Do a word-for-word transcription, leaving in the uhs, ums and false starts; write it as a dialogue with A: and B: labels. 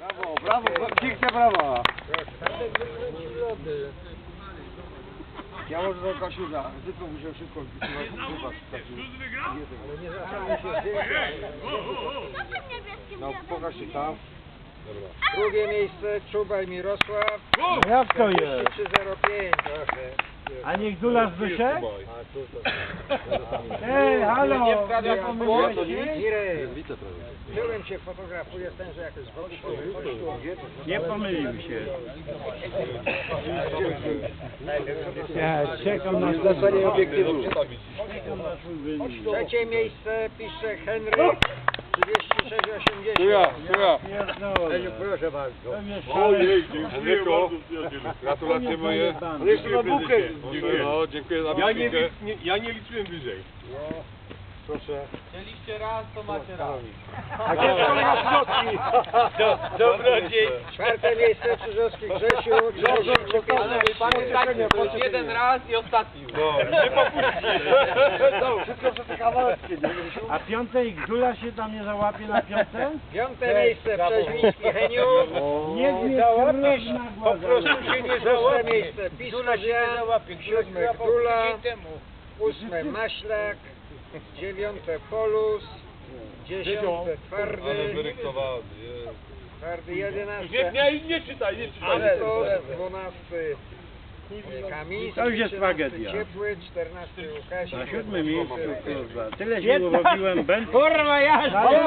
A: Brawo, brawo, piękne brawa. Ja może do Kasiuza, tylko musiał szybko wybacz. Ale nie zaczęło się zdjęcia. No pokaż się tam. Drugie miejsce Czubaj Mirosław.
B: No jak to jest?
A: trzy zero pięć.
B: A nie Gdula Zbyszek? Ej, halo!
A: Nie wprawia
B: Nie
A: pan
B: pomyliłeś
A: błąd,
B: się?
A: Mirek. Tyłem się fotografuję, ten, że jakoś z boku.
B: Nie pomylił się. Ja czekam na
A: Zlecenie obiektywu.
B: Czekam na swój wynik.
A: Trzecie miejsce pisze Henryk. trzydzieści sześć osiemdziesiąt.
C: Tuja, tuja.
B: Pierdolę.
A: Proszę bardzo.
B: Pewnie
C: Ojej,
B: szalę.
C: dziękuję bardzo, przyjacielu. Gratulacje moje.
B: Ale
A: jeszcze na bukę.
C: Dziękuję. No, dziękuję za
D: Ja nie,
C: bukę.
D: nie, ja nie liczyłem wyżej.
A: Proszę.
D: Chcieliście raz, to macie raz.
A: A gdzie są maskotki?
D: Dobrodziej.
A: Czwarte miejsce Krzyżowski Grzesiu.
D: Ale pamiętajcie, to jest jeden raz i ostatni.
C: No, nie popuścisz.
A: No, wszystko przez te kawałeczki, nie Grzesiu?
B: A piąte i Gdula się tam nie załapie na piąte?
A: Piąte miejsce Przeźwiński Heniu.
B: Nie mnie
A: Po prostu się nie Szóste miejsce Piskozia. Siódme Gdula. Ósme Maślak. Dziewiąte Polus. Dziesiąte
C: Ale
A: Twardy.
C: wyryktowany, jest.
A: Twardy
D: Nie,
A: jedenaste.
D: nie, nie czytaj, nie czytaj.
A: Antos. Dwunasty Kamiński.
B: To już jest
A: trzynasty
B: tragedia.
A: Ciepły. Czternasty Łukasik.
B: Na siódmym miejscu, kurwa. Tyle się urobiłem, Ben. Kurwa, ja